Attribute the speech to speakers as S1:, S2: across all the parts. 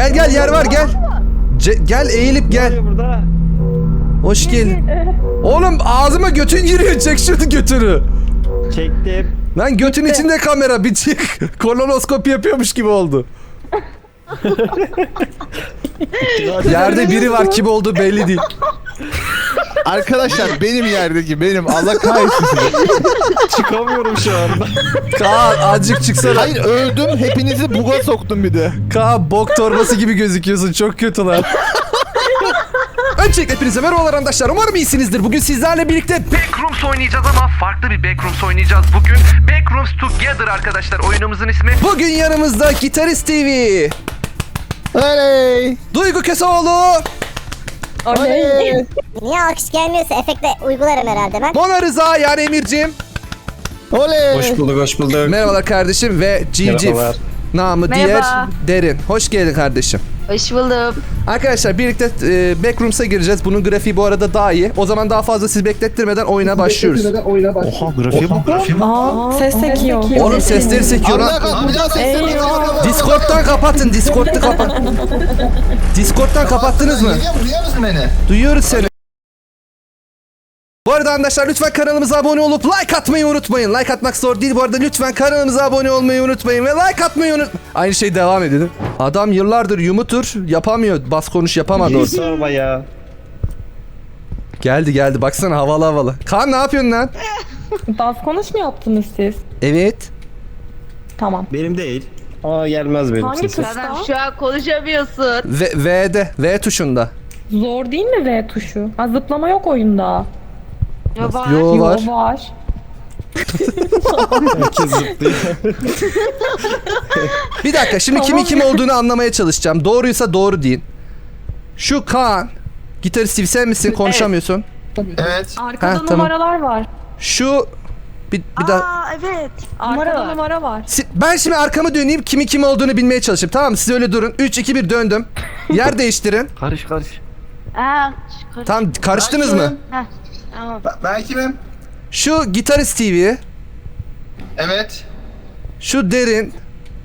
S1: Gel gel, yer var, gel. Gel, eğilip gel.
S2: Burada.
S1: Hoş geldin. Oğlum ağzıma götün giriyor, çek şunu götünü.
S2: Çektim.
S1: Lan götün içinde kamera, bir çık. Kolonoskopi yapıyormuş gibi oldu. Yerde biri var, kim olduğu belli değil.
S3: Arkadaşlar benim yerdeki benim. Allah kahretsin sizi.
S2: Çıkamıyorum şu anda.
S1: Kaan azıcık çıksana.
S3: Hayır öldüm. Hepinizi buga soktum bir de.
S1: Kaan bok torbası gibi gözüküyorsun, çok kötü lan. Öncelikle hepinize merhabalar arkadaşlar. Umarım iyisinizdir. Bugün sizlerle birlikte Backrooms oynayacağız ama farklı bir Backrooms oynayacağız bugün. Backrooms Together arkadaşlar oyunumuzun ismi. Bugün yanımızda Gitarist TV,
S3: Oley.
S1: Duygu Kesoğlu,
S3: Oley.
S4: Niye alkış gelmiyorsa efektle uygularım herhalde ben.
S1: Mona Rıza yani Emir'cim.
S3: Oley.
S2: Hoş bulduk, hoş bulduk.
S1: Merhabalar kardeşim ve Civciv.
S2: Merhabalar.
S1: Namı
S5: Merhaba.
S1: diğer Derin. Hoş geldin kardeşim.
S5: Hoş buldum.
S1: Arkadaşlar birlikte Backrooms'a gireceğiz. Bunun grafiği bu arada daha iyi. O zaman daha fazla siz beklettirmeden oyuna başlıyoruz.
S3: Oha grafiğe bak.
S6: Ses sekiyor.
S1: Oğlum sesleri sekiyor
S3: Allah
S1: lan.
S3: kahretsin. Bir daha sesleri
S6: Eyvah.
S1: Discord'dan kapatın. Discord'u kapat. Discord'dan kapattınız mı?
S3: Duyuyor musun beni?
S1: Duyuyoruz seni. Bu arada arkadaşlar lütfen kanalımıza abone olup like atmayı unutmayın. Like atmak zor değil. Bu arada lütfen kanalımıza abone olmayı unutmayın ve like atmayı Aynı şey devam ediyor. Adam yıllardır yumutur, yapamıyor. Bas konuş yapamadı
S2: Hiç
S1: orada.
S2: sorma ya.
S1: Geldi baksana, havalı havalı. Kaan ne yapıyorsun lan?
S6: Bas konuş mu yaptınız siz?
S1: Evet.
S6: Tamam.
S2: Benim değil. Aa gelmez benim
S6: Hangi
S2: sesim.
S6: tuşta?
S5: Adam şu an konuşamıyorsun.
S1: V'de. V tuşunda.
S6: Zor değil mi V tuşu? Ha, zıplama yok oyunda.
S5: Ya var.
S1: Yo var.
S6: Yo, var.
S2: Herkes zıplıyor.
S1: Bir dakika şimdi kimin kim olduğunu anlamaya çalışacağım. Doğruysa doğru deyin. Şu Kaan. Gitarist Steve sen misin? Konuşamıyorsun.
S3: Evet.
S6: Arkada
S1: Ha, tamam.
S6: numaralar var.
S1: Şu bir daha.
S5: Aa evet.
S6: Arkada numara var.
S1: Ben şimdi arkamı döneyim, kimin kim olduğunu bilmeye çalışayım. Tamam mı? Siz öyle durun. 3 2 1 döndüm. Yer değiştirin.
S2: Karış.
S5: Aa,
S1: Tamam, karıştınız mı?
S5: Heh, tamam.
S3: Ben kimim?
S1: Şu Gitarist TV,
S3: Evet.
S1: şu Derin.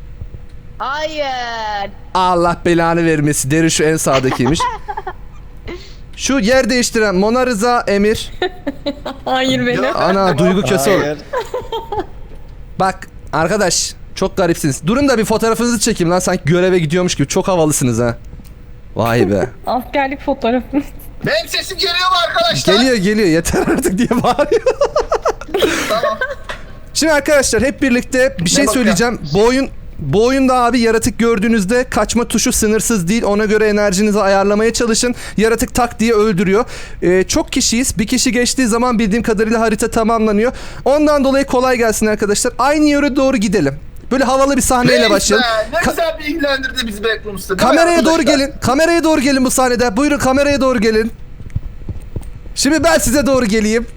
S5: Hayır.
S1: Allah belanı vermesi. Derin şu en sağdakiymiş. Şu yer değiştiren Mona Rıza, Emir.
S6: Hayır benim.
S1: Ana Duygu Köseoğlu.
S2: Hayır.
S1: Bak arkadaş, çok garipsiniz. Durun da bir fotoğrafınızı çekeyim lan, sanki göreve gidiyormuş gibi. Çok havalısınız ha. Vay be.
S6: Askerlik fotoğrafı.
S3: Benim sesim geliyor mu arkadaşlar?
S1: Geliyor yeter artık diye bağırıyor.
S3: Tamam.
S1: Şimdi arkadaşlar hep birlikte bir şey
S3: bakıyor?
S1: söyleyeceğim. Bu oyunda abi yaratık gördüğünüzde kaçma tuşu sınırsız değil. Ona göre enerjinizi ayarlamaya çalışın. Yaratık tak diye öldürüyor. Çok kişiyiz. Bir kişi geçtiği zaman bildiğim kadarıyla harita tamamlanıyor. Ondan dolayı kolay gelsin arkadaşlar. Aynı yöre doğru gidelim. Böyle havalı bir sahneyle başlayalım.
S3: Ne güzel bilgilendirdi bizi Backrooms'ta. değil mi
S1: Kameraya doğru
S3: arkadaşlar?
S1: gelin. Kameraya doğru gelin bu sahnede. Buyurun kameraya doğru gelin. Şimdi ben size doğru geleyim.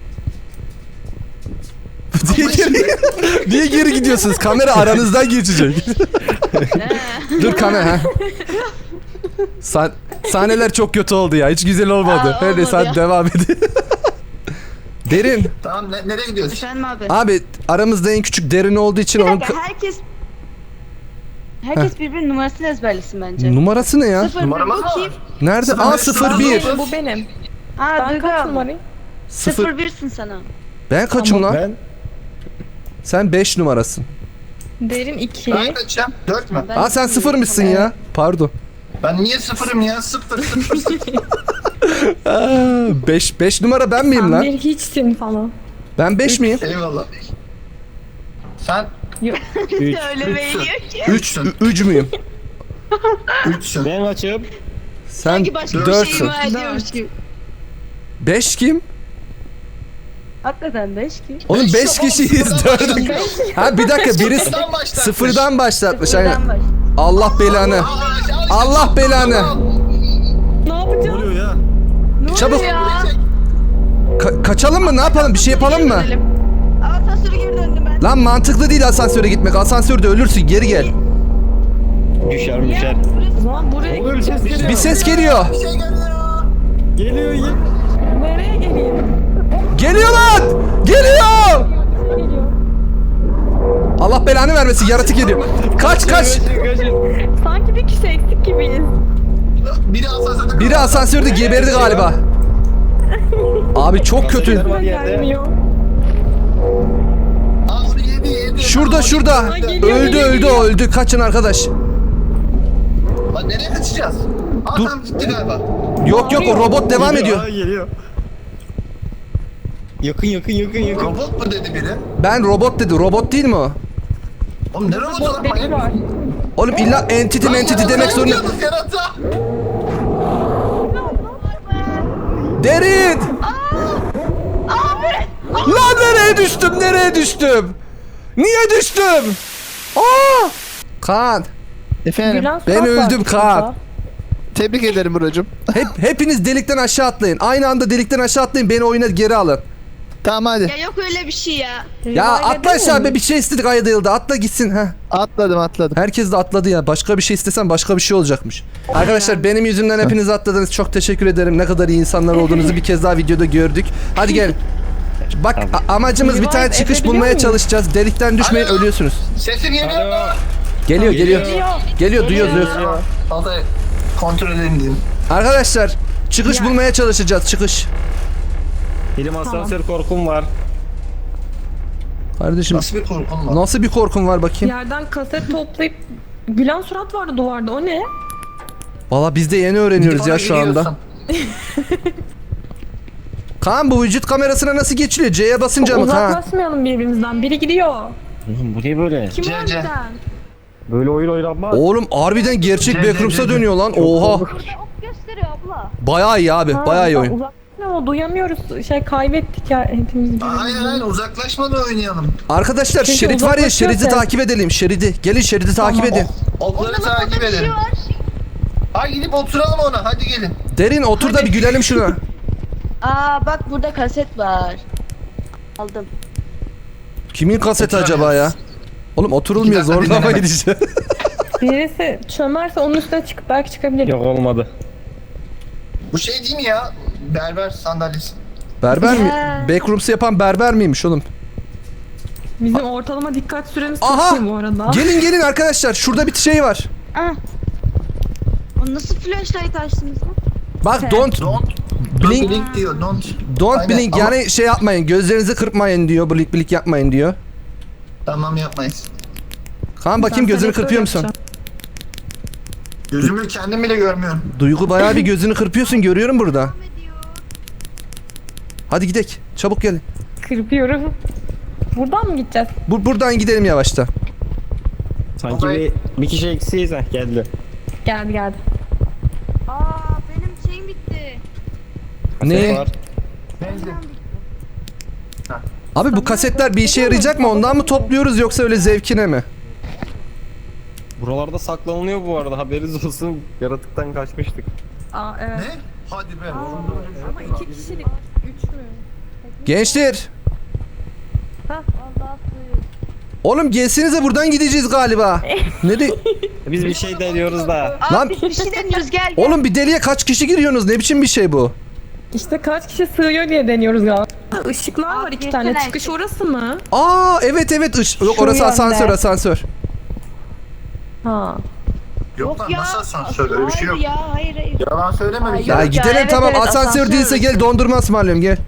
S1: Niye geri gidiyorsunuz? Kamera aranızdan geçecek. Dur kamera. Ha. Sahneler çok kötü oldu ya. Hiç güzel olmadı.
S5: Aa,
S1: Neyse hadi
S5: olmadı.
S1: devam edin. Derin.
S3: Tamam nereye gidiyoruz?
S5: Efendim abi.
S1: Abi aramızda en küçük Derin olduğu için
S5: Bir
S1: onun
S5: dakika, herkes birbirinin numarasını ezberlesin bence.
S1: numarası ne ya?
S5: Sıfır
S3: Numaramız
S5: bir
S3: mı
S5: bakayım.
S1: Nerede? A 01.
S6: Bu benim.
S5: Aa
S6: Ben
S5: Duygu
S6: kaç
S5: abla.
S6: numarayım?
S1: 0.
S5: 01'sin sana.
S1: Ben kaçım lan?
S2: Ben
S1: Sen 5 numarasın.
S6: Derin 2.
S3: Ben kaçacağım? 4 mü?
S5: Ben
S1: Aa sen 0 mısın ya? Pardon.
S3: Ben niye sıfırım ya? Sıfır.
S1: 5 numara ben miyim
S6: Sen
S1: lan?
S6: bir hiçsin falan.
S1: Ben 5 miyim?
S3: Eyvallah. Sen
S2: 3.
S5: Öyle beğeniyor ki.
S1: 3 müyüm?
S3: 3'sün.
S2: Ben açım.
S1: Sen
S5: Sanki başka bir
S1: 4'sün.
S5: şey ima ediyormuş gibi.
S1: 5 kim?
S5: Hakikaten 5 ki.
S1: Oğlum 5 kişiyiz 4'üm. Ha bir dakika birisi
S3: Sıfırdan başlatmış.
S1: sıfırdan başlatmış aynen.
S5: Buradan baş.
S1: Allah belanı. Allah belanı.
S6: Ne yapacağım?
S2: Oluyor ya.
S1: Çabuk.
S5: Ya.
S1: Kaçalım mı? Ne yapalım? Bir şey yapalım mı?
S5: Asansöre geri döndüm ben.
S1: Lan mantıklı değil asansöre gitmek. Asansörde ölürsün. Geri gel.
S2: Düşer.
S6: O zaman buraya
S2: Oluyor, bir ses
S6: gideceğiz.
S2: geliyor.
S1: Bir ses geliyor.
S3: Bir şey geliyor.
S2: Geliyor.
S6: Nereye geleyim?
S1: Geliyor lan. Geliyor.
S6: Geliyor.
S1: Allah belanı vermesin, yaratık geliyor. Kaç kaç.
S6: Sanki bir kişi eksik gibiyiz.
S1: Biri asansörde geberdi galiba. Abi çok kötü.
S2: Var yerde.
S6: Gelmiyor.
S1: Şurada şurada.
S6: Geliyor,
S1: Öldü
S6: geliyor,
S1: öldü
S6: geliyor.
S1: o öldü. Kaçın arkadaş.
S7: Lan nereye kaçacağız?
S1: Dur.
S7: Adam gitti galiba.
S1: Yok yok, o robot devam ediyor.
S2: Geliyor. Yakın.
S7: Robot mu dedi biri?
S1: Ben robot dedi. Robot değil mi o?
S7: Oğlum ne robotu lan
S6: Delik
S7: manyak?
S6: var.
S1: Oğlum illa entity demek zorunda.
S7: Yarata.
S1: Derin! Lan nereye düştüm? Niye düştüm? Aa! Kaan,
S3: Efendim
S6: Gülen
S1: ben
S6: surat var
S1: öldüm
S6: şurada.
S1: Kaan.
S3: tebrik ederim brocum.
S1: Hepiniz delikten aşağı atlayın. Aynı anda delikten aşağı atlayın. Beni oyuna geri alın.
S3: Tamam hadi.
S5: Ya yok öyle bir şey ya.
S1: Ya
S6: Revive
S1: atla
S6: edelim
S1: aşağı
S6: mi?
S1: be, bir şey istedik Aya Dayıl'da. Atla gitsin ha.
S3: Atladım.
S1: Herkes de atladı ya. Başka bir şey istesen başka bir şey olacakmış. Arkadaşlar benim yüzümden hepiniz atladınız. Çok teşekkür ederim. Ne kadar iyi insanlar olduğunuzu bir kez daha videoda gördük. Hadi gel. Bak amacımız bir tane
S6: Revive
S1: çıkış
S6: edebiliyor
S1: bulmaya
S6: muyuz?
S1: çalışacağız. Delikten düşmeyin,
S7: Alo.
S1: ölüyorsunuz.
S7: Sesim geliyor mu?
S1: Geliyor. Geliyor, duyuyoruz.
S7: Altay kontrol edelim dedim.
S1: Arkadaşlar çıkış bulmaya çalışacağız. Çıkış.
S2: Benim asansör korkum var.
S1: Kardeşim
S7: Nasıl bir korkun var?
S1: nasıl bir korkun var bakayım?
S6: Yerden kaset toplayıp gülen surat vardı duvarda. O ne?
S1: Valla biz de yeni öğreniyoruz ya şu anda.
S7: Gidiyorsun.
S1: Kaan, bu vücut kamerasına nasıl geçiliyor? C'ye basınca mı Kaan?
S6: Uzaklaşmayalım birbirimizden. Biri gidiyor.
S2: Oğlum bu ne böyle?
S6: Kim
S7: C,
S6: var
S7: C.
S6: bizden?
S2: Böyle oyun oynanmaz.
S1: Oğlum harbiden gerçek
S7: C, C,
S1: Backrooms'a
S7: C.
S1: dönüyor lan. Oha.
S5: Ok gösteriyor abla.
S1: Bayağı iyi abi.
S6: Ha,
S1: Bayağı iyi oyun.
S6: Uzaklaşma, duyamıyoruz. Kaybettik ya hepimiz birbirimizi.
S7: Aynen uzaklaşmadan oynayalım.
S1: Arkadaşlar
S6: Çünkü
S1: şerit var ya,
S6: uzaklaşıyor
S1: şeridi
S6: ses.
S1: takip edelim. Şeridi. Gelin şeridi takip edin.
S7: Okları
S5: Orada
S7: takip
S5: bir şey
S7: edelim.
S5: var.
S7: Hadi gidip oturalım ona. Hadi gelin.
S1: Derin otur da bir gülelim şuna.
S5: Aa bak burada kaset var. Aldım.
S1: Kimin kaseti acaba ya? Oğlum oturulmuyor,
S7: İki dakika
S1: zorlama
S7: dinlenelim.
S1: gideceğim.
S6: Birisi çömerse onun üstüne çıkıp belki çıkabilir.
S2: Yok olmadı.
S7: Bu şey değil mi ya? Berber sandalyesi.
S1: Berber mi?
S5: Ya.
S1: Backrooms'u yapan berber miymiş oğlum?
S6: Bizim ortalama dikkat süremiz çok
S1: Aha!
S6: iyi bu arada.
S1: Gelin arkadaşlar. Şurada bir şey var.
S5: Ah. O nasıl flashlight açtınız lan?
S1: Bak don't blink
S7: Blink diyor.
S1: don't
S7: Aynen,
S1: blink,
S7: ama-
S1: yani şey yapmayın. Gözlerinizi kırpmayın diyor. Blink blink yapmayın diyor.
S7: Tamam yapmayız.
S1: Kaan bakayım,
S6: Ben
S1: gözünü
S6: selektör
S1: kırpıyor musun?
S6: yapacağım.
S7: Gözümü kendim bile görmüyorum.
S1: Duygu bayağı bir gözünü kırpıyorsun, görüyorum burada. Hadi gidek. Çabuk gelin.
S6: Kırpıyorum. Buradan mı gideceğiz?
S1: Buradan gidelim yavaşta.
S2: Sanki bir kişi eksiyiz ha geldi.
S6: Geldi.
S5: Aa benim şeyim bitti.
S1: Ne?
S2: Var.
S7: Benzin.
S1: Abi bu kasetler bir işe yarayacak mı? Ondan mı topluyoruz yoksa öyle zevkine mi?
S2: Buralarda saklanılıyor bu arada, haberiniz olsun. Yaratıktan kaçmıştık.
S6: Aa evet.
S7: Ne? Hadi be.
S6: Ama 2 kişilik. 3 mü?
S1: Gençler.
S6: Ha.
S1: Oğlum gelsenize, buradan gideceğiz galiba. Ne de...
S2: Biz bir şey deniyoruz da.
S5: Aa
S1: Lan-
S5: biz bir şey deniyoruz gel gel.
S1: Oğlum bir deliğe kaç kişi giriyorsunuz? Ne biçim bir şey bu?
S6: İşte kaç kişi sığıyor diye deniyoruz galiba. Işıklar var
S5: Aa,
S6: 2 tane.
S5: yetenek.
S6: Çıkış orası mı?
S1: Aa evet Yok,
S6: Şu
S1: orası
S6: yönde.
S1: asansör.
S6: Ha.
S7: Yok lan nasıl asansör? Öyle bir şey yok.
S5: Hayır ya hayır.
S7: Yalan söyleme bir
S5: Hayır.
S1: Ya
S7: kere.
S5: Yok
S1: gidelim
S5: evet,
S1: tamam,
S5: evet,
S1: asansör
S5: asansör
S1: değilse gel dondurma ısmarlıyorum, gel.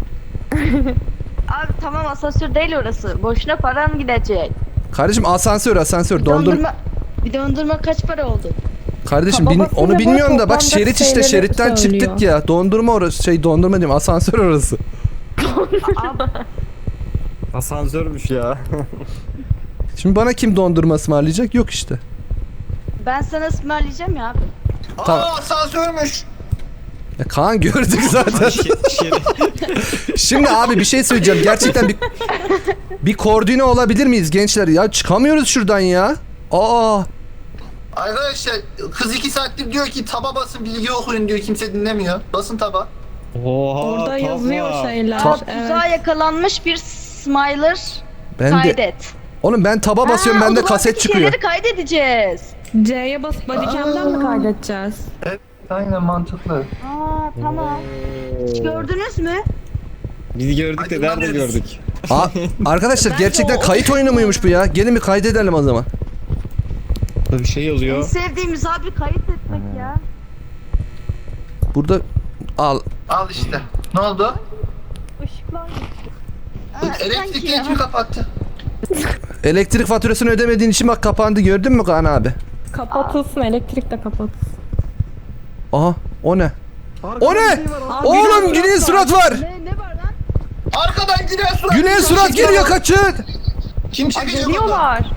S5: Abi tamam asansör değil orası. Boşuna paran gidecek.
S1: Kardeşim asansör dondurma.
S5: Bir dondurma kaç para oldu?
S1: Kardeşim
S6: Ha, babasıyla
S1: onu
S6: böyle
S1: bilmiyorum da bak,
S6: toplamda
S1: şerit işte,
S6: şeyleri
S1: şeritten
S6: söylüyor.
S1: çıktık ya. Dondurma orası, dondurma diyorum, asansör orası.
S5: Abi
S2: Asansörmüş ya.
S1: Şimdi bana kim dondurma ısmarlayacak? Yok işte.
S5: ben sana ısmarlayacağım ya abi.
S1: Tamam.
S7: Aa asansörmüş.
S1: Ya Kaan gördük zaten. Şimdi abi bir şey söyleyeceğim. Gerçekten bir koordine olabilir miyiz gençler? Ya çıkamıyoruz şuradan ya. Aa.
S7: Arkadaşlar kız 2 saattir diyor ki taba basın bilgi okuyun diyor, kimse dinlemiyor. Basın taba.
S2: Oha.
S6: Orada
S2: tamam.
S6: yazıyor şeyler.
S5: Aa,
S6: Evet.
S5: tuzağa yakalanmış bir smiler
S1: Ben de
S5: kaydet.
S1: oğlum ben taba basıyorum,
S5: Ha,
S1: bende
S5: o zaman
S1: kaset
S5: biz
S1: çıkıyor.
S5: şeyleri kaydedeceğiz.
S6: C'ye basıp bodycam'den mi kaydedeceğiz?
S7: Aynen mantıklı.
S5: Aa tamam. Hiç gördünüz mü?
S2: Biz gördük de nerede
S7: Aydınlanıyoruz.
S2: gördük?
S1: Arkadaşlar gerçekten kayıt oyunu muymuş bu ya? Gelin bir kaydedelim o zaman.
S2: Bir şey
S5: En
S2: yazıyor.
S5: sevdiğimiz abi kayıt etmek ya.
S1: Burada al.
S7: Al işte. Ne oldu?
S6: Işıklar gitti.
S7: Elektrikleri kim kapattı?
S1: Elektrik faturasını ödemediğin için bak kapandı, gördün mü Kaan abi?
S6: Kapatılsın, elektrik de kapatılsın.
S1: Aha, o ne? O ne? Oğlum Güney surat var.
S5: Ne var lan?
S7: Arkadan Güney surat.
S1: Güney surat geliyor, kaçın.
S7: Kim çekecek onu?
S6: Geliyorlar.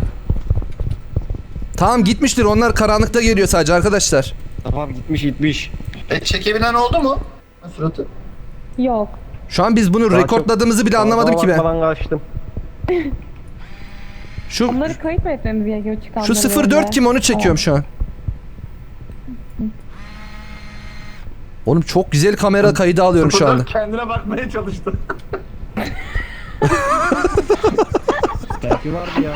S1: Tamam gitmiştir, onlar karanlıkta geliyor sadece arkadaşlar.
S2: Tamam gitmiş.
S7: Çekebilen oldu mu? Suratı.
S6: Yok.
S1: Şu an biz bunu
S2: Daha
S1: rekortladığımızı bile anlamadım ki ben.
S2: Falan kaçtım.
S1: Şu
S6: Onları kayıt mı etmemiz gerekiyor çıkanları?
S1: şu 04 kim, onu çekiyorum şu an. Oğlum çok güzel kamera kaydı alıyorum şu anda.
S2: Kendine bakmaya çalıştı. Belki vardı ya.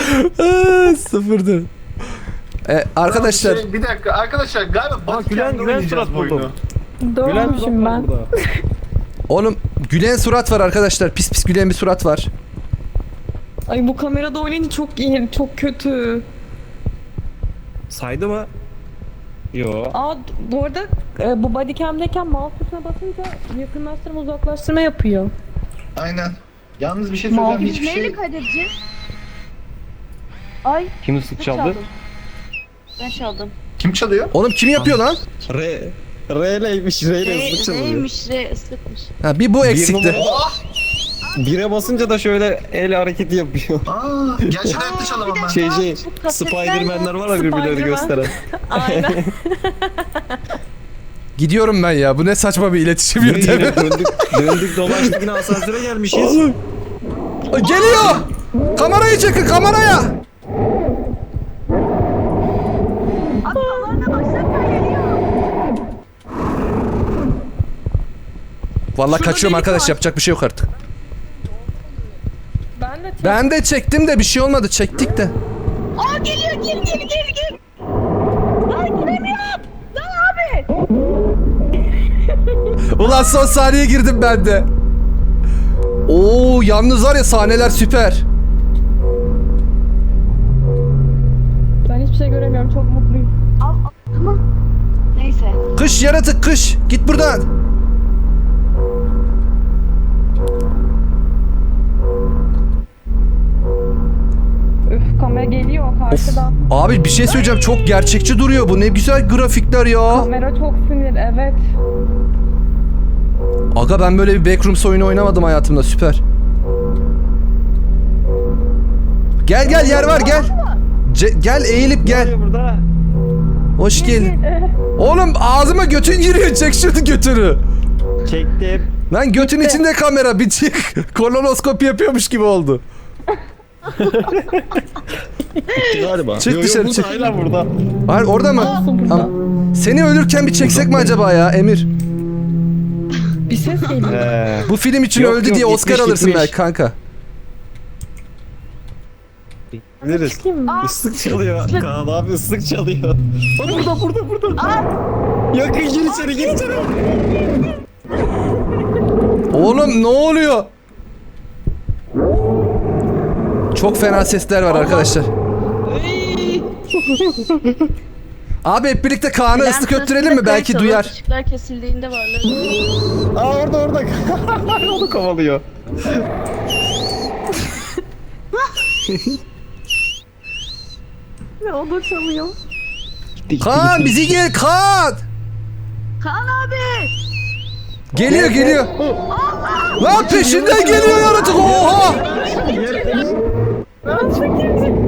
S1: 04. Arkadaşlar
S7: Bir dakika arkadaşlar galiba
S2: Gülen surat buldum.
S6: Doğrumuşum ben.
S1: oğlum gülen surat var arkadaşlar. Pis pis gülen bir surat var.
S6: Ay bu kamerada oynayınca çok iyi, çok kötü.
S2: Saydı mı? Yo.
S6: Bu arada bu bodycam'deyken mouse tuşuna basınca yakınlaştırma uzaklaştırma yapıyor.
S7: Aynen. Yalnız bir şey söyleyeceğim.
S5: Biz
S7: Hiçbir
S5: neyle
S7: şey...
S5: kaydedeceğiz? Ay
S2: Kim ıslık
S5: ben
S2: çaldı?
S5: çaldım. Ben çaldım.
S7: Kim çalıyor?
S1: Oğlum kim yapıyor lan?
S2: R'leymiş. R'yle ıslık çalıyor.
S5: Neymiş re ıslıkmış.
S1: Ha, bir bu eksikti.
S7: Oh!
S2: Bire basınca da şöyle el hareketi yapıyor.
S7: Gerçekten hayatta çalamam ben.
S2: Şey
S5: Bu kasetler
S2: Spiderman'ler var ya birbirlerini
S6: Spiderman.
S2: gösteren.
S6: Aynen.
S1: Gidiyorum ben ya. Bu ne saçma bir iletişim
S2: Yine
S1: yöntemi.
S2: döndük dolaştık yine asansöre gelmişiz.
S1: Oğlum. Geliyor. Kamerayı çekin, kameraya.
S5: Atalarına baksana geliyor.
S1: Vallahi
S6: Şurada
S1: kaçıyorum
S6: delik
S1: arkadaş,
S6: var.
S1: yapacak bir şey yok artık.
S6: Ben de
S1: Ben de çektim de bir şey olmadı, çektik de.
S5: Aa geliyor gel. Lan giremiyorum. Lan abi.
S1: Ulan son saniye girdim ben de. Oo yalnız var ya, sahneler süper.
S6: Ben hiçbir şey göremiyorum, çok mutluyum.
S5: Al tamam. Neyse.
S1: Kış yaratık, kış. Git buradan.
S6: Üf, kamera geliyor karşıdan.
S1: Abi bir şey söyleyeceğim, çok gerçekçi duruyor bu. Ne güzel grafikler ya.
S6: Kamera çok sinir, evet.
S1: Aga ben böyle bir Backrooms oyunu oynamadım hayatımda, süper. Gel gel, yer var, gel. Gel eğilip gel.
S2: Burada.
S1: Hoş geldin. Oğlum ağzıma götün giriyor, çek şunu götünü.
S2: Çektim.
S1: Lan götün içinde kamera, bir çık. Kolonoskopi yapıyormuş gibi oldu.
S2: Galiba.
S1: Çık dışarı, çık.
S2: Hala burada.
S1: Hayır orada mı?
S6: Nasıl burada?
S1: Tamam. Seni ölürken bir çeksek mi acaba ya Emir?
S6: Bir ses geliyor.
S1: Bu film için
S2: Yok,
S1: öldü
S2: yok,
S1: diye Oscar
S2: gitmiş,
S1: alırsın
S2: gitmiş.
S1: belki kanka.
S2: Biliriz.
S6: Çıkayım mı?
S2: Islık çalıyor. Kaan abi ıslık çalıyor. Burada. Yakın gir içeri.
S1: Oğlum ne oluyor? Çok fena sesler var arkadaşlar. Abi hep birlikte Kaan'a
S5: Ben
S1: ıslık
S5: sırasında
S1: öttürelim mi? Belki
S5: kayıt
S1: duyar.
S5: alıp Işıklar kesildiğinde varlar.
S2: Aa orada. Onu kovalıyor.
S6: Ve o da çalıyor.
S1: Kaan bizi gel, Kaan.
S5: Kaan abi.
S1: Geliyor. Lan peşinden geliyor yaratık, oha.
S6: Ben çekeyim.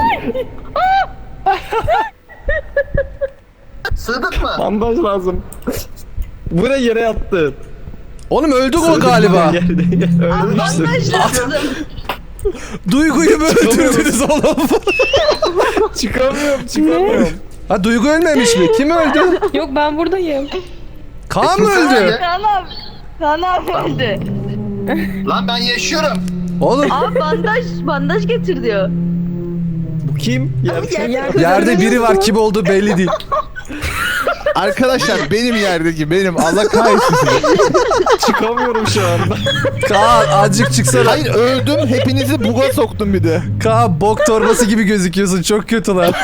S7: Sığdık mı?
S2: Bandaj lazım. Buraya yere yattın.
S1: Oğlum öldük o galiba.
S2: Ölmüşsün.
S5: Bandaj lazım.
S1: Duygu'yu mu öldürdünüz oğlum?
S2: Çıkamıyorum.
S1: Ha Duygu ölmemiş mi? Kim öldü?
S6: Yok, ben buradayım.
S1: Kaan mı öldü?
S5: Kaan abi öldü.
S7: Lan ben yaşıyorum.
S1: Oğlum
S5: Abi bandaj getir diyor.
S2: Bu kim?
S6: Yerde
S1: yerde biri var, kim olduğu belli değil.
S3: Arkadaşlar benim yerdeki benim. Allah kahretsin sizi.
S2: Çıkamıyorum şu anda.
S1: Kaan azıcık çıksana.
S3: Hayır öldüm. Hepinizi buga soktum bir de.
S1: Kaan bok torbası gibi gözüküyorsun. Çok kötü lan.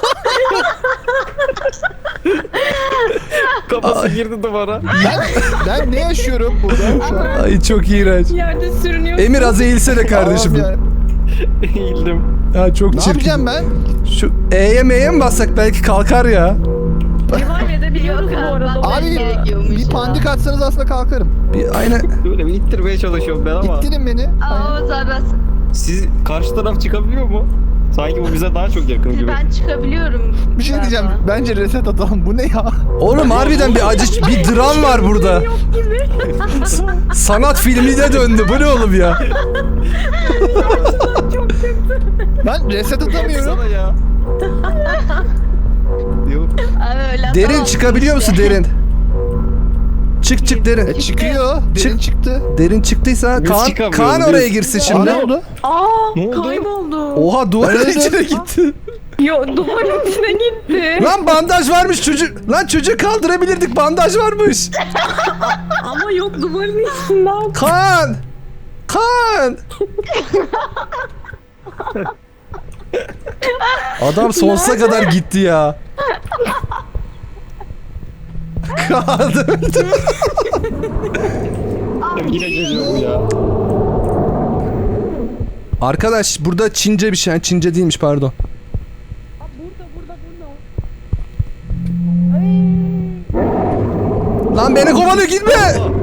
S2: Kafası girdi duvara.
S3: Ben ne yaşıyorum burada şu an?
S1: Ay çok iğrenç.
S6: Yerde sürünüyor.
S1: Emir az eğilsene kardeşim.
S3: Allah'ım ya.
S2: Eğildim.
S1: Ya çok
S3: Ne
S1: çirkin.
S3: yapacağım ben?
S1: Şu E'ye M'ye mi bassak belki kalkar ya.
S6: Devam edebiliyoruz bu arada.
S3: Abi
S5: gerekiyormuş
S3: bir
S5: ya.
S3: pandik atsanız aslında kalkarım.
S1: Bir aynen.
S2: Böyle bir ittirmeye çalışıyorum ben ama.
S3: İttirin beni.
S5: Aa Oğuz abi
S2: Siz karşı taraf çıkabiliyor mu? Sanki bu bize daha çok yakın gibi.
S5: ben çıkabiliyorum.
S3: Bir şey
S5: galiba.
S3: diyeceğim. Bence reset atalım. Bu ne ya?
S1: Oğlum harbiden bir acı bir dram var burada. Sanat filmine döndü. Bu ne oğlum ya?
S3: Ben reset atamıyorum.
S2: Sana ya. Yok.
S5: Abi öyle
S1: Derin
S5: tamam.
S1: çıkabiliyor musun derin? Çık derin.
S3: Çıkıyor. Derin çıktı.
S1: Derin çıktıysa
S2: Biz
S1: Kaan,
S2: çıkamıyoruz,
S1: Kaan
S2: biz.
S1: oraya girsin
S3: Aa,
S1: şimdi.
S3: ne oldu?
S6: Aa
S2: Ne oldu?
S6: kayboldu.
S1: Oha duvarın
S3: Nerede?
S1: içine gitti.
S6: Yo duvarın içine gitti.
S1: Lan bandaj varmış çocuk. Lan çocuğu kaldırabilirdik bandaj varmış.
S6: Ama yok duvarın içinden.
S1: Kaan. Kaan. Adam sonsuza kadar gitti ya. Kaan öldü.
S2: Yine geliyor bu ya.
S1: Arkadaş burada Çince bir şey. Çince değilmiş pardon. Lan beni kovalıyor gitme.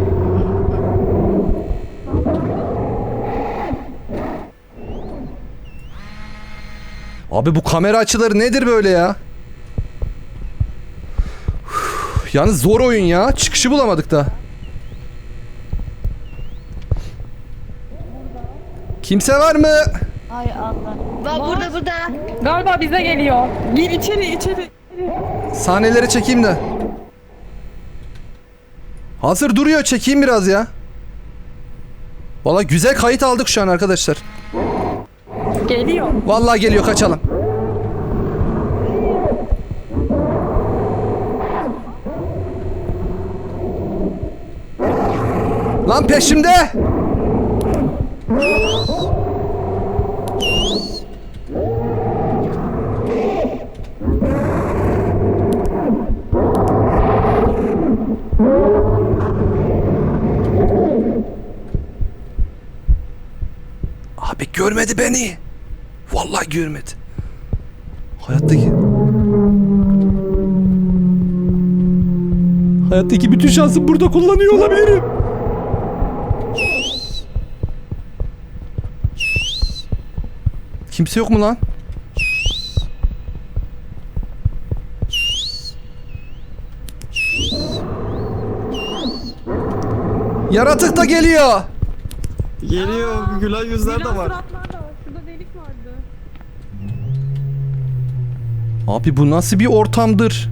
S1: Abi bu kamera açıları nedir böyle ya? Üf, yalnız zor oyun ya. Çıkışı bulamadık da. Kimse var mı?
S5: Bak burada.
S6: Galiba bize geliyor. Gir içeri.
S1: Sahneleri çekeyim de. Hazır duruyor, çekeyim biraz ya. Vallahi güzel kayıt aldık şu an arkadaşlar.
S6: Geliyor.
S1: Vallahi geliyor, kaçalım. Lan peşimde. Abi görmedi beni. Vallahi görmedi. Hayattaki bütün şansımı burada kullanıyor olabilirim. Kimse yok mu lan? Yaratık da geliyor.
S2: Geliyor. Gülen yüzler de
S6: Gülen
S2: var.
S6: suratlar da var. Şurada delik vardı.
S1: Abi bu nasıl bir ortamdır?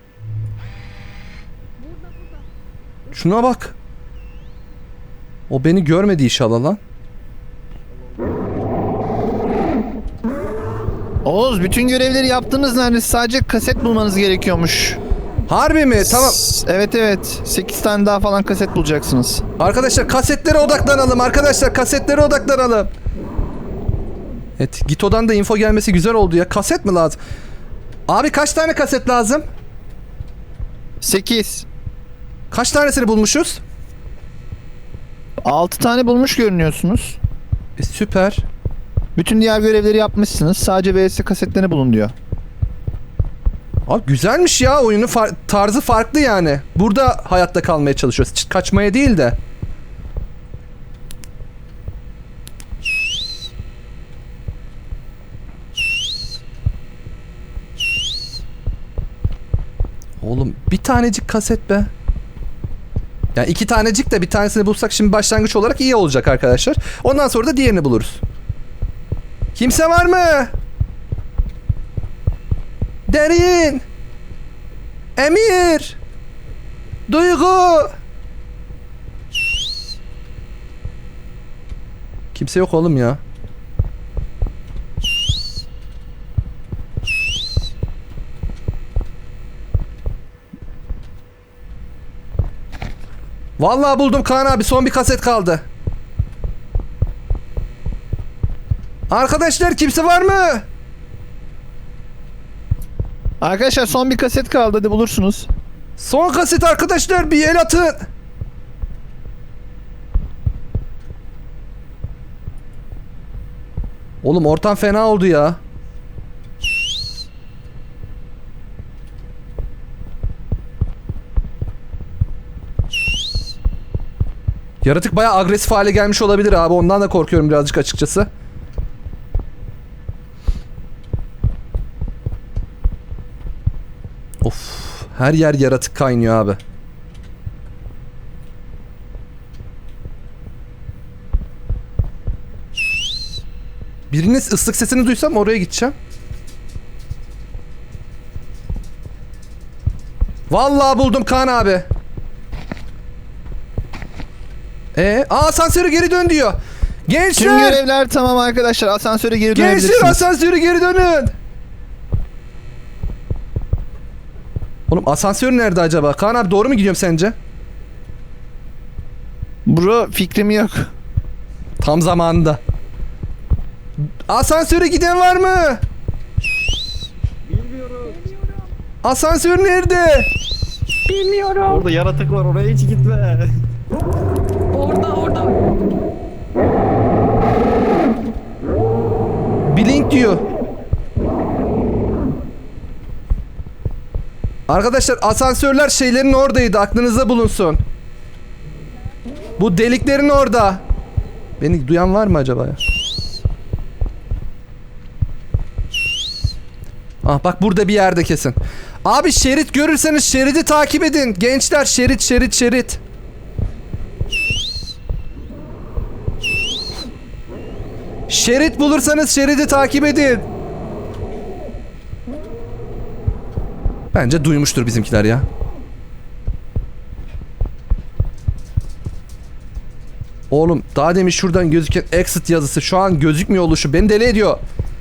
S1: Şuna bak. O beni görmedi inşallah lan.
S3: Oğuz bütün görevleri yaptınız neredeyse. Sadece kaset bulmanız gerekiyormuş.
S1: Harbi mi? Tamam.
S3: Evet. 8 tane daha falan kaset bulacaksınız.
S1: Arkadaşlar kasetlere odaklanalım. Arkadaşlar kasetlere odaklanalım. Evet, Gito'dan da info gelmesi güzel oldu ya. Kaset mi lazım? Abi kaç tane kaset lazım?
S3: 8.
S1: Kaç tanesini bulmuşuz?
S3: 6 tane bulmuş görünüyorsunuz.
S1: Süper.
S3: Bütün diğer görevleri yapmışsınız. Sadece VS kasetlerini bulun diyor.
S1: Abi güzelmiş ya, oyunun tarzı farklı yani. Burada hayatta kalmaya çalışıyoruz. Kaçmaya değil de. Oğlum bir tanecik kaset be. Yani 2 tanecik de bir tanesini bulsak şimdi başlangıç olarak iyi olacak arkadaşlar. Ondan sonra da diğerini buluruz. Kimse var mı? Derin. Emir. Duygu. Kimse yok oğlum ya. Vallahi buldum Kaan abi, son bir kaset kaldı. Arkadaşlar kimse var mı?
S3: Arkadaşlar son bir kaset kaldı, hadi bulursunuz.
S1: Son kaset arkadaşlar, bir el atın. Oğlum ortam fena oldu ya. Yaratık bayağı agresif hale gelmiş olabilir abi. Ondan da korkuyorum birazcık açıkçası. Of, her yer yaratık kaynıyor abi. Biriniz ıslık sesini duysam oraya gideceğim. Vallahi buldum Kaan abi. Asansöre geri dön diyor.
S3: Tüm
S1: Gençler!
S3: görevler tamam arkadaşlar, asansöre geri dönebilirsiniz.
S1: Gençler asansöre geri dönün. Oğlum asansör nerede acaba? Kaan abi doğru mu gidiyorum sence?
S3: Bro, fikrim yok.
S1: Tam zamanında. Asansöre giden var mı?
S2: Bilmiyorum.
S1: Asansör nerede?
S6: Bilmiyorum.
S2: Orada yaratık var, oraya hiç gitme.
S6: Orada.
S1: Blink diyor. Arkadaşlar asansörler şeylerin oradaydı, aklınızda bulunsun. Bu deliklerin orada. Beni duyan var mı acaba ya? Ah bak burada bir yerde kesin. Abi şerit görürseniz şeridi takip edin. Gençler şerit. Şerit bulursanız şeridi takip edin. Bence duymuştur bizimkiler ya. Oğlum daha demin şuradan gözüken exit yazısı şu an gözükmüyor oluşu beni deli ediyor.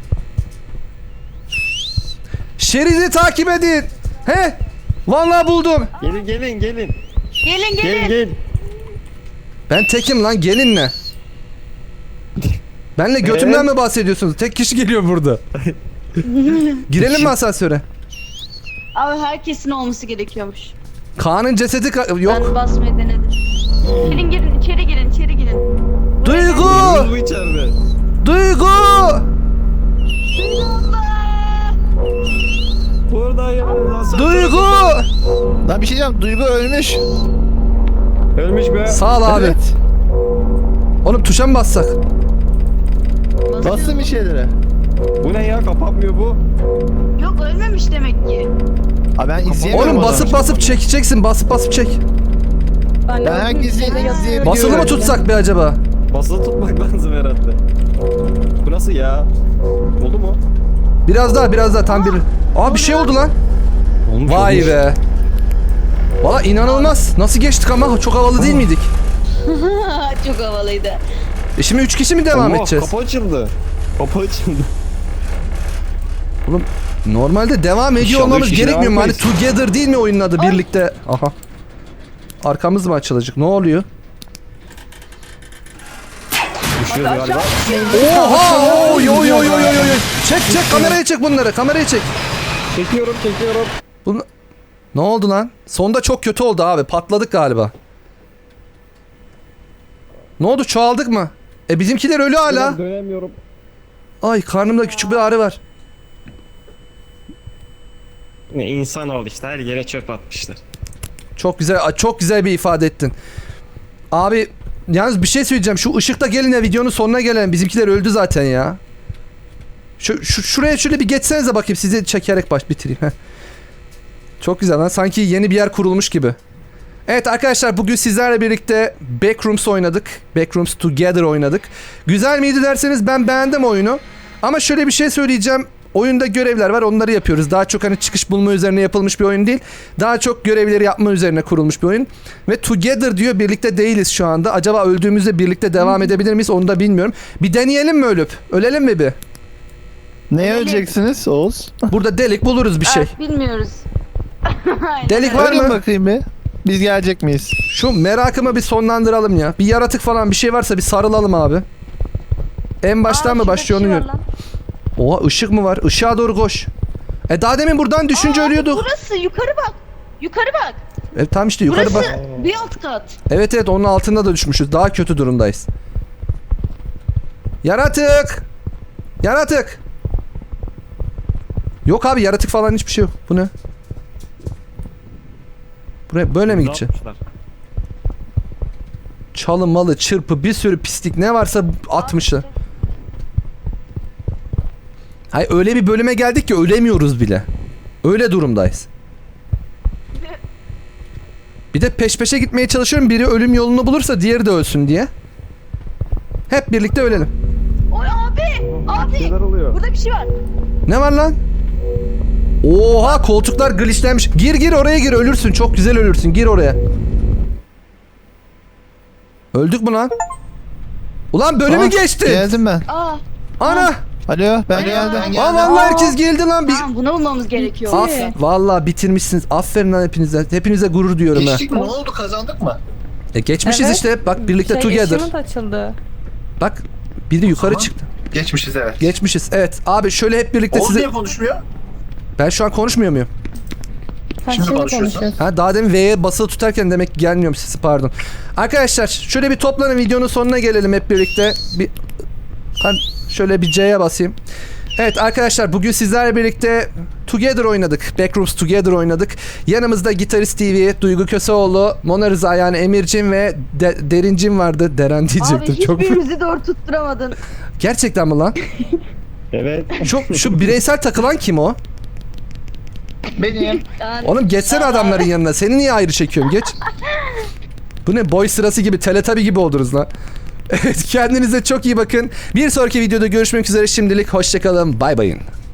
S1: Şeridi takip edin. He? Vallahi buldum.
S2: Gelin.
S5: Gelin.
S2: Gel.
S1: Ben tekim lan, gelin ne? Benle götümden mi bahsediyorsunuz? Tek kişi geliyor burada. Girelim mi asansöre?
S5: Abi herkesin olması gerekiyormuş.
S1: Kaan'ın cesedi yok.
S5: Ben basmayı denedim. Girin içeri girin.
S1: Duygu!
S2: Bu içeride.
S1: Duygu!
S2: Buradayım.
S1: Duygu!
S3: Lan bir şey diyeceğim, Duygu ölmüş.
S2: Ölmüş be.
S1: Sağ ol abi.
S3: Evet.
S1: Oğlum tuşa mı bassak?
S3: Bastım bir şeylere.
S2: Bu ne ya, kapanmıyor bu.
S5: Yok ölmemiş demek ki.
S3: Abi ben izleyemiyorum.
S1: Oğlum
S3: o
S1: basıp
S3: zaman.
S1: basıp çekeceksin. Basıp çek.
S3: Ben herkesi izleyebiliyorum.
S1: Basılı mı tutsak be acaba?
S2: Basılı tutmak lazım herhalde. Bu nasıl ya? Oldu mu?
S1: Biraz daha tam bir. Aa bir şey oldu lan.
S2: Olmuş,
S1: Vay
S2: olmuş.
S1: be. Valla inanılmaz. Nasıl geçtik ama çok havalı değil miydik?
S5: Çok havalıydı.
S1: Şimdi 3 kişi mi devam
S2: Allah,
S1: edeceğiz?
S2: Kapı açıldı.
S1: Oğlum normalde devam ediyor
S2: İnşallah
S1: olmamız
S2: üç kişi
S1: gerekmiyor mu?
S2: devam
S1: Hani Together değil mi oyunun adı? Birlikte. Aha. Arkamız mı açılacak? Ne oluyor?
S2: Düşüyoruz galiba.
S1: Oha! Oy. Çek kameraya çek bunları. Kameraya çek.
S2: Çekiyorum.
S1: Bunu... Ne oldu lan? Sonda çok kötü oldu abi. Patladık galiba. Ne oldu? Çoğaldık mı? Bizimkiler ölü hala.
S2: Dönemiyorum.
S1: Ay karnımda küçük bir ağrı var.
S2: Ne insan oldu işte, her yere çöp atmışlar.
S1: Çok güzel bir ifade ettin. Abi yalnız bir şey söyleyeceğim. Şu ışıkta gelin ya, videonun sonuna gelen. Bizimkiler öldü zaten ya. Şuraya şöyle bir geçsenize bakayım, sizi çekerek bitireyim. Heh. Çok güzel lan, sanki yeni bir yer kurulmuş gibi. Evet arkadaşlar, bugün sizlerle birlikte Backrooms oynadık. Backrooms Together oynadık. Güzel miydi derseniz ben beğendim oyunu. Ama şöyle bir şey söyleyeceğim. Oyunda görevler var, onları yapıyoruz. Daha çok hani çıkış bulma üzerine yapılmış bir oyun değil. Daha çok görevleri yapma üzerine kurulmuş bir oyun. Ve Together diyor, birlikte değiliz şu anda. Acaba öldüğümüzde birlikte devam edebilir miyiz onu da bilmiyorum. Bir deneyelim mi ölüp? Ölelim mi bir?
S3: Neye öleceksiniz Oğuz?
S1: Burada delik buluruz bir şey.
S5: Bilmiyoruz.
S1: Delik var
S3: Ölün
S1: mı?
S3: bakayım bir. Biz gelecek miyiz?
S1: Şu merakımı bir sonlandıralım ya. Bir yaratık falan bir şey varsa bir sarılalım abi. En baştan mı
S5: şurada
S1: başlıyor
S5: bir
S1: onu
S5: şey
S1: gör.
S5: var lan.
S1: Oha ışık mı var? Işığa doğru koş. Daha demin buradan düşünce ölüyorduk.
S5: Burası yukarı bak. Yukarı bak.
S1: Tam işte yukarı
S5: Burası
S1: bak.
S5: bir alt kat.
S1: Evet onun altında da düşmüşüz. Daha kötü durumdayız. Yaratık! Yaratık! Yok abi yaratık falan hiçbir şey yok. Bu ne? Buraya böyle mi gidecek? Çalı malı çırpı bir sürü pislik ne varsa atmışlar. Hayır öyle bir bölüme geldik ki ölemiyoruz bile. Öyle durumdayız. Bir de peş peşe gitmeye çalışıyorum. Biri ölüm yolunu bulursa diğeri de ölsün diye. Hep birlikte ölelim.
S5: Oy abi. Abi. Burada bir şey var.
S1: Ne var lan? Oha koltuklar glitchlenmiş. Gir oraya gir ölürsün. Çok güzel ölürsün. Gir oraya. Öldük mü lan? Ulan bölümü geçti.
S3: Geldim ben.
S1: Ana.
S3: Alo ben geldim.
S7: Ben geldim.
S1: Aa vallahi herkes geldi lan.
S5: Tamam bunu bulmamız gerekiyor.
S1: Vallahi bitirmişsiniz. Aferin lan hepinize. Hepinize gurur diyorum ha.
S7: Geçtik mi? Ne oldu? Kazandık mı?
S1: Geçmişiz
S6: Evet.
S1: işte. Bak birlikte together.
S6: Achievement açıldı.
S1: Bak biri yukarı
S7: Tamam.
S1: çıktı.
S7: Geçmişiz evet.
S1: Geçmişiz. Evet. Abi şöyle hep birlikte
S7: Oğuz
S1: size...
S7: niye konuşmuyor?
S1: Ben şu an konuşmuyor muyum?
S7: Şimdi konuşuyorsun.
S1: Ha daha demin V'ye basılı tutarken demek ki gelmiyorum sesi pardon. Arkadaşlar şöyle bir toplanın videonun sonuna gelelim hep birlikte. Ben şöyle bir C'ye basayım. Evet arkadaşlar bugün sizlerle birlikte Together oynadık. Backrooms Together oynadık. Yanımızda Gitarist TV, Duygu Köseoğlu, Mona Rıza yani Emircim ve Derincim vardı. Deren diyecektim.
S5: Abi
S1: Çok...
S5: hiçbirimizi doğru tutturamadın.
S1: Gerçekten mi lan?
S2: Evet.
S1: Şu bireysel takılan kim o?
S7: Benim.
S5: Yani
S1: Oğlum geçsene adamların yanına. Seni niye ayrı çekiyorum? Geç. Bu ne boy sırası gibi, Teletubby gibi oldunuz lan. Evet kendinize çok iyi bakın. Bir sonraki videoda görüşmek üzere şimdilik. Hoşçakalın. Bay bayın.